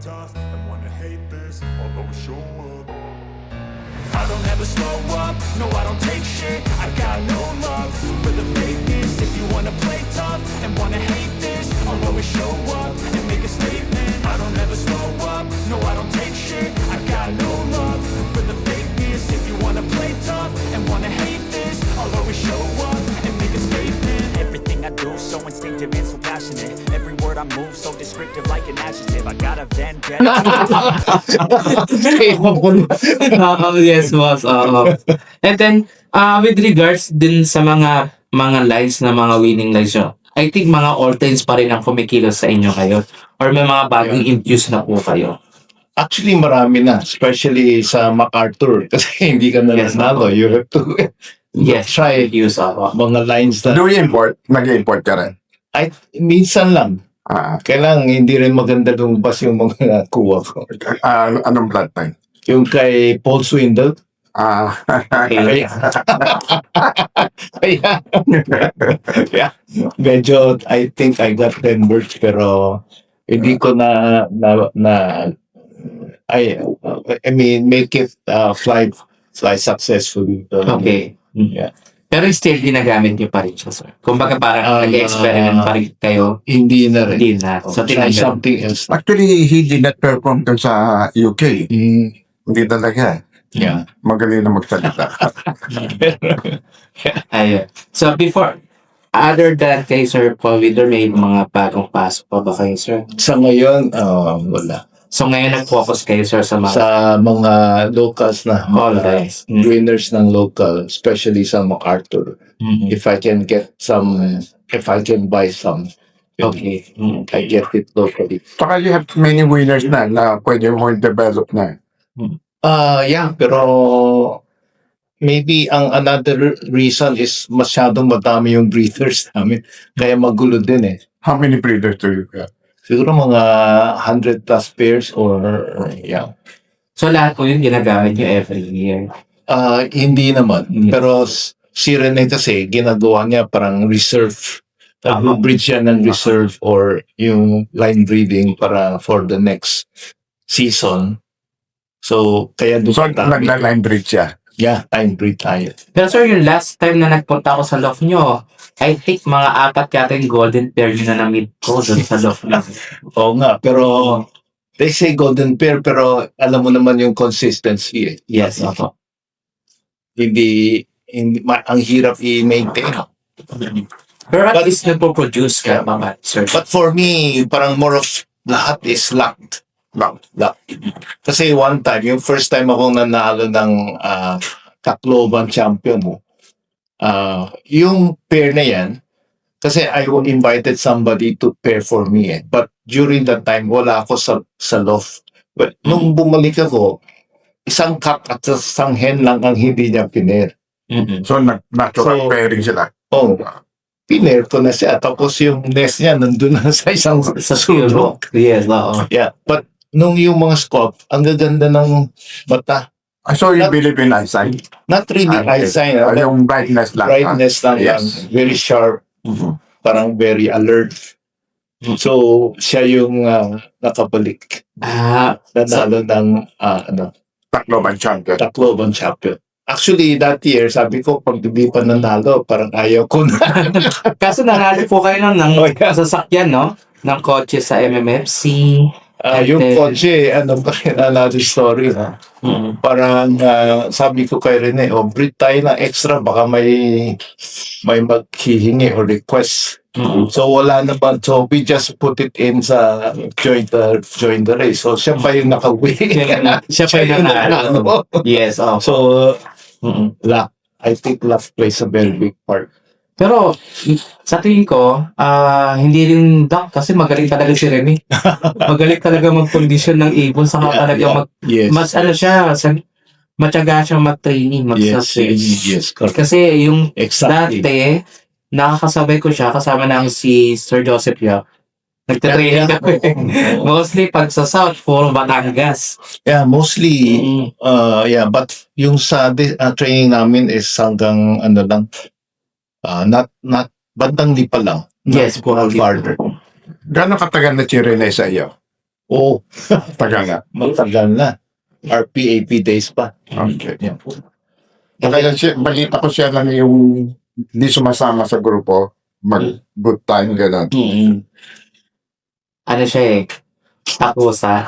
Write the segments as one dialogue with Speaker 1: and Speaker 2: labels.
Speaker 1: tough and wanna hate this, I'll always show up. I don't ever slow up, no I don't take shit. I got no love for the fakeness. If you wanna play tough and wanna hate this, I'll always show up and make a statement. I don't ever slow up, no I don't take shit. I got no love for the fakeness. If you wanna play tough and wanna hate this, I'll always show up and make a statement. Everything I do so instinctive and so passionate. Every word I move so descriptive like an adjective. I got a vendetta.
Speaker 2: Yes, boss. Oo. And then, with regards din sa mga lines na mga winning lines nyo, I think mga all-times pa rin ang kumikilos sa inyo kayo. Or may mga bagong infuse na po kayo.
Speaker 3: Actually, marami na. Especially sa MacArthur. Kasi hindi ka na
Speaker 2: Yes,
Speaker 3: nanalo. You have to
Speaker 2: Yes,
Speaker 3: try
Speaker 2: use ako.
Speaker 3: mga lines na.
Speaker 4: Do you import? Nag-import ka rin?
Speaker 3: Ay, minsan lang.
Speaker 4: Ah,
Speaker 3: Kailangan hindi rin maganda lumabas yung mga kuha ko.
Speaker 4: anong blood type?
Speaker 3: Yung kay Paul Swindle.
Speaker 4: Ah,
Speaker 3: Kaya, kaya, medyo, I think I got 10 words, pero hindi ko I mean, make it fly successfully.
Speaker 2: Okay.
Speaker 3: Yeah.
Speaker 2: Pero still, ginagamit nyo pa rin siya, sir. Kumbaga parang nag-experiment pa rin kayo.
Speaker 3: Hindi na rin.
Speaker 2: Hindi na. So,
Speaker 3: Try
Speaker 2: tinanggal.
Speaker 3: something else.
Speaker 4: actually, he did not perform dun sa UK.
Speaker 3: Mm,
Speaker 4: Hindi talaga.
Speaker 3: yeah.
Speaker 4: Magaling na magsalita.
Speaker 2: Ayun. So, before, other than kay Sir Paul Vidor, may mga bagong pasok pa ba kayo, sir?
Speaker 3: Sa ngayon, wala.
Speaker 2: So, ngayon nag-focus kayo, sir, sa mga...
Speaker 3: Sa mga locals na
Speaker 2: All
Speaker 3: mga
Speaker 2: right.
Speaker 3: winners ng local, especially sa MacArthur.
Speaker 2: Mhm.
Speaker 3: If I can get some, if I can buy some,
Speaker 2: Okay.
Speaker 3: I get it locally.
Speaker 4: Saka you have many winners na pwede mo develop na.
Speaker 3: Yeah, pero maybe ang another reason is masyadong madami yung breeders namin. Kaya magulo din eh.
Speaker 4: How many breeders do you have?
Speaker 3: Siguro mga 100 plus pairs or yeah.
Speaker 2: So, lahat po yun ginagamit nyo every year.
Speaker 3: Hindi naman. Pero si Rene kasi ginagawa niya parang reserve. Breed siya ng reserve or yung line breeding para for the next season. So, kaya
Speaker 4: So,
Speaker 3: doon kami.
Speaker 4: nagla-line breed siya.
Speaker 3: Yeah, time breed tayo.
Speaker 2: Pero, sir, yung last time na nagpunta ako sa loft nyo, I think mga 4 yata yung golden pair yun na na-meet ko doon sa loft nyo.
Speaker 3: Oo nga, pero they say golden pair, pero alam mo naman yung consistency eh.
Speaker 2: Yes, ako.
Speaker 3: Hindi ang hirap i-maintain.
Speaker 2: Pero at
Speaker 3: But-
Speaker 2: least nagpo-produce ka, mga sir.
Speaker 3: But for me, parang more of lahat is luck. Luck. Kasi one time, yung first time akong nanalo ng Tacloban champion, yung pair na yan, kasi I invited somebody to pair for me eh. But during that time, wala ako sa loft. But nung bumalik ako, isang cock at isang hen lang ang hindi niya pinair.
Speaker 2: Mhm.
Speaker 4: So, natural
Speaker 3: So-
Speaker 4: pairing sila.
Speaker 3: Oh, pinair ko na siya. Tapos yung nest niya nandun na sa isang
Speaker 2: Sa
Speaker 3: sulok.
Speaker 2: sulok. Yes, oo.
Speaker 3: Yeah, but nung yung mga scope, ang gaganda ng mata.
Speaker 4: I saw you believe in eyesight.
Speaker 3: Not really
Speaker 4: Okay.
Speaker 3: eyesight,
Speaker 4: Ah,
Speaker 3: but
Speaker 4: yung brightness lang.
Speaker 3: brightness lang
Speaker 4: Yes.
Speaker 3: yan. Very sharp,
Speaker 4: Mhm.
Speaker 3: parang very alert. So, siya yung nakabalik. Nanalo ng
Speaker 4: Tacloban champion.
Speaker 3: Tacloban champion. Actually, that year, sabi ko, pag hindi pa nanalo, parang ayaw ko na.
Speaker 2: Kaso nanalo po kayo ng
Speaker 3: Oh, yeah.
Speaker 2: sasakyan, no? Ng kotse sa MMFC.
Speaker 3: Yung
Speaker 2: And then-
Speaker 3: kotse, ano pa rin, another story. Parang sabi ko kay Rene, breed tayo ng extra, baka may maghihingi or request. So wala naman. So we just put it in sa join the race. So siya pa yung nakawin.
Speaker 2: Siya pa yung nanalo. Yes, oo.
Speaker 3: So luck. I think luck plays a very big part.
Speaker 2: Pero sa tingin ko, hindi rin duck kasi magaling talaga si Remy. Magaling talaga mag-condition ng ibon saka talaga
Speaker 3: Yes.
Speaker 2: mas ano siya, matyaga siyang mag-training, mag-training.
Speaker 3: Yes, correct.
Speaker 2: Kasi yung
Speaker 3: Exactly.
Speaker 2: dati, nakakasabay ko siya kasama ng si Sir Joseph Yap. Nagtatraining
Speaker 3: Yeah.
Speaker 2: kami. Mostly pag sa South, puro Batangas.
Speaker 3: Yeah, mostly yeah, but yung sa training namin is hanggang ano lang, not bandang lipa lang.
Speaker 2: Yes,
Speaker 3: Not farther.
Speaker 4: Gano'ng katagal na si Rene sa iyo?
Speaker 3: Oo,
Speaker 4: Tagal na.
Speaker 3: matagal na. RPAP days pa.
Speaker 4: Okay.
Speaker 3: Yan.
Speaker 4: Kaya siya, balita ko siya lang yung hindi sumasama sa grupo, mag-good time, gano'n.
Speaker 2: Ano siya eh, takusa.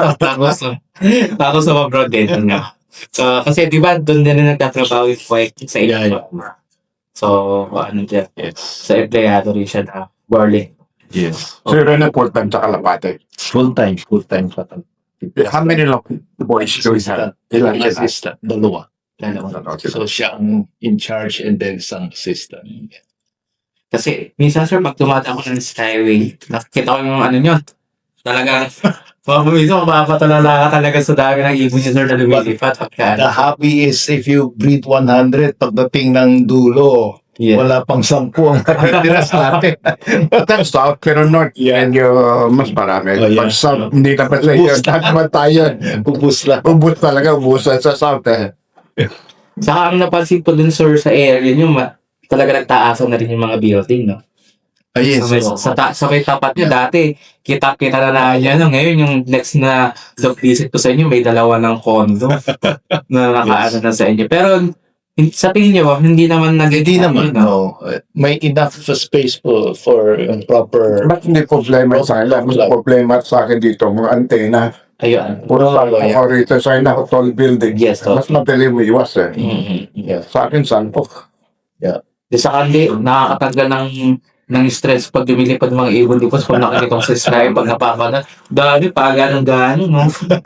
Speaker 2: Takusa abroad din. Ano. So, kasi di ba doon din na nagtatrabaho yung Poek sa
Speaker 3: Yeah,
Speaker 2: inyo. So, ano siya,
Speaker 3: Yes.
Speaker 2: sa empleyado rin siya na Berlin.
Speaker 3: Yes.
Speaker 4: So, yun na full-time sa Kalapate.
Speaker 3: Full-time pa.
Speaker 4: How many boys do you have? Ilan sila?
Speaker 3: Assistant. Dalawa.
Speaker 2: Dalawa.
Speaker 3: So, siya ang in charge and then isang assistant.
Speaker 2: Kasi, minsan sir, pag tumatang ako ng Skyway, nakikita ko yung ano nyo, talaga, minsan mapapatulala ka talaga sa dami ng ibon niya sir na lumilipat.
Speaker 3: The hobby is if you breed 100, pagdating ng dulo,
Speaker 2: Yeah.
Speaker 3: wala pang 10 ang nakitira sa atin.
Speaker 4: That's south, pero north, medyo mas marami.
Speaker 3: Oh, yeah.
Speaker 4: Pag south, hindi naman sa iyo. Lahat naman tayo.
Speaker 3: Bubus lang.
Speaker 4: Ubus talaga, ubusan sa south eh.
Speaker 2: Saka ang napansin ko dun sir sa area nyo, talaga nagtaasan na rin yung mga building, no?
Speaker 3: Yes.
Speaker 2: Sa may tapat nyo, dati, kita na yan. Ngayon, yung next na job visit ko sa inyo, may dalawa ng condo na nakaano na sa inyo. Pero, sa tingin nyo, hindi naman
Speaker 3: Hindi naman, no. May enough space for proper...
Speaker 4: Ba't hindi problema sa akin? Mas problema sa akin dito, mga antena.
Speaker 2: Ayun.
Speaker 4: Puro sa
Speaker 3: yeah.
Speaker 4: ako rito sa akin, tall building.
Speaker 2: Yes, tall.
Speaker 4: Mas madali mo iwas eh.
Speaker 3: Yeah.
Speaker 4: Sa akin, sanpo.
Speaker 2: Di sa kandi, nakakatanggal ng stress pag lumilipad ng mga ibon dipos pag nakikita ko sa sky, pag napapanood. Dali, paganong-gano, no?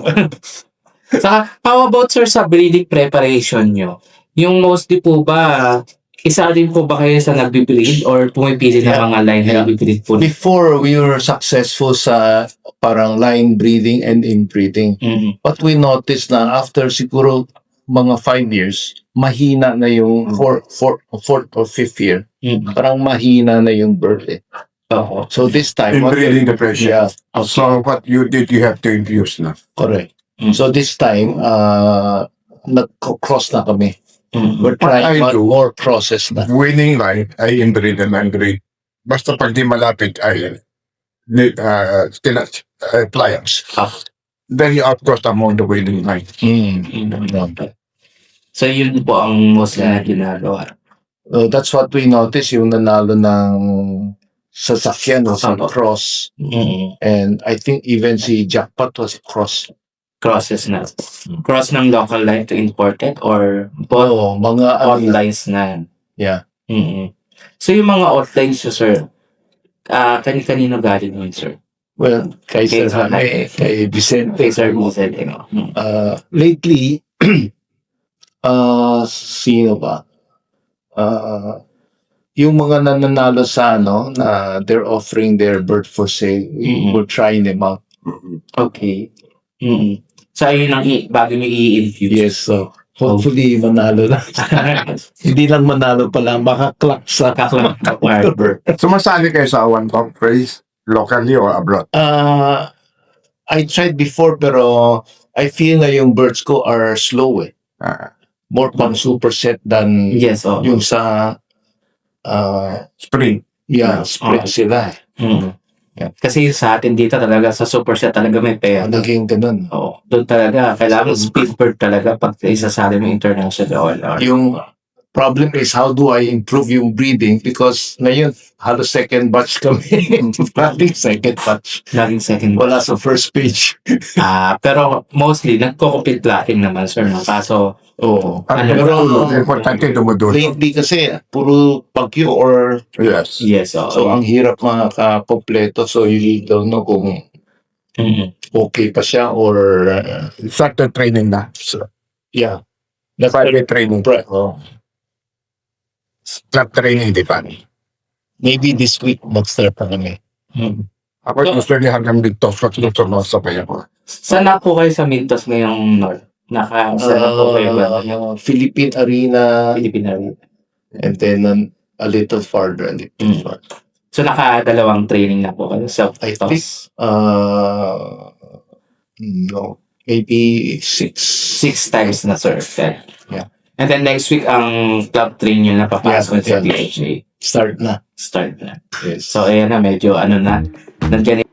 Speaker 2: Saka, how about sir sa breeding preparation nyo? Yung mostly po ba, isa din po ba kayo sa nagbe-breed or pumipili ng
Speaker 3: Yeah.
Speaker 2: mga line na
Speaker 3: Yeah.
Speaker 2: nagbe-breed po?
Speaker 3: Before, we were successful sa parang line breeding and inbreeding.
Speaker 2: Mhm.
Speaker 3: But we noticed na after siguro mga 5 years, mahina na yung fourth or fifth year.
Speaker 2: Mhm.
Speaker 3: Parang mahina na yung bird eh.
Speaker 2: Oo.
Speaker 3: So this time,
Speaker 4: Inbreeding depression.
Speaker 3: yeah,
Speaker 4: So what you did, you have to infuse na.
Speaker 3: correct.
Speaker 2: Mm.
Speaker 3: So this time, nag-cross na kami.
Speaker 2: Mhm.
Speaker 3: We're
Speaker 4: What I
Speaker 3: trying
Speaker 4: do-
Speaker 3: more crosses na.
Speaker 4: Winning line, ay inbreed and unbreed. Basta pag di malapit, ay pliers.
Speaker 2: Ah.
Speaker 4: Then you outcross among the winning line.
Speaker 2: Mhm. So, yun po ang mostly na ginagawa.
Speaker 3: That's what we noticed, yung nanalo ng sasakyan was a cross.
Speaker 2: Mhm.
Speaker 3: And I think even si Jackpot was cross.
Speaker 2: Crosses na. Cross ng local line to imported or both
Speaker 3: Oo, mga ano na.
Speaker 2: outlines na.
Speaker 3: Yeah.
Speaker 2: Mhm. So, yung mga outlines nyo, sir, kanino galing yun, sir?
Speaker 3: Well, kay
Speaker 2: Kay
Speaker 3: Sir Hane, kay Vicente.
Speaker 2: Kay Sir Vicente, no?
Speaker 3: Lately, sino ba? Yung mga nananalo sa ano, na they're offering their bird for sale, we're trying them out.
Speaker 2: Okay. Mhm. So, ayun ang bago nyo i-infuse.
Speaker 3: Yes, so hopefully manalo na. Hindi lang manalo pala, makaklak sa
Speaker 2: Kaklang bird.
Speaker 4: Sumasali kayo sa one top race, locally or abroad?
Speaker 3: I tried before pero I feel na yung birds ko are slow eh. More pang superset than
Speaker 2: Yes, oh.
Speaker 3: yung sa
Speaker 4: Spring.
Speaker 3: spread sila.
Speaker 2: Mhm.
Speaker 3: Yeah.
Speaker 2: Kasi sa atin dito talaga, sa superset talaga may pera.
Speaker 3: Naging ganun.
Speaker 2: Oo. Doon talaga, kailangan speed bird talaga pag isasali mo international OLR.
Speaker 3: Yung problem is how do I improve yung breeding because ngayon halos second batch kami. Parang second batch.
Speaker 2: Laging second
Speaker 3: Wala sa first page.
Speaker 2: pero mostly, nagko-compete plating naman, sir. No? Kaso,
Speaker 3: Oo.
Speaker 2: Ano,
Speaker 4: Importante dumudulo.
Speaker 3: Lately kasi puro pagyo or
Speaker 4: Yes.
Speaker 2: yes, oo.
Speaker 3: so ang hirap makakakompleto so you don't know kung
Speaker 2: Mhm.
Speaker 3: okay pa siya or
Speaker 4: Start the training na.
Speaker 3: yeah. That's
Speaker 4: Private training. Club training, di ba?
Speaker 3: Maybe this week mag-start pa kami.
Speaker 2: Mhm.
Speaker 4: Ako usually hanggang dito, gusto mo sabay ako.
Speaker 2: Saan na po kayo sa Mintos ngayong North? Saan na po kayo ba?
Speaker 3: Philippine Arena
Speaker 2: Pilipina.
Speaker 3: and then a little farther.
Speaker 2: So, nakadalawang training na po kayo sa
Speaker 3: I think no, maybe 6.
Speaker 2: 6 times na, sir.
Speaker 3: Yeah.
Speaker 2: And then next week, ang club train nyo na papasok sa
Speaker 3: Yeah.
Speaker 2: PHA.
Speaker 3: Start na.
Speaker 2: Start na.
Speaker 3: Yes.
Speaker 2: So, ayan na, medyo ano na. Nandiyan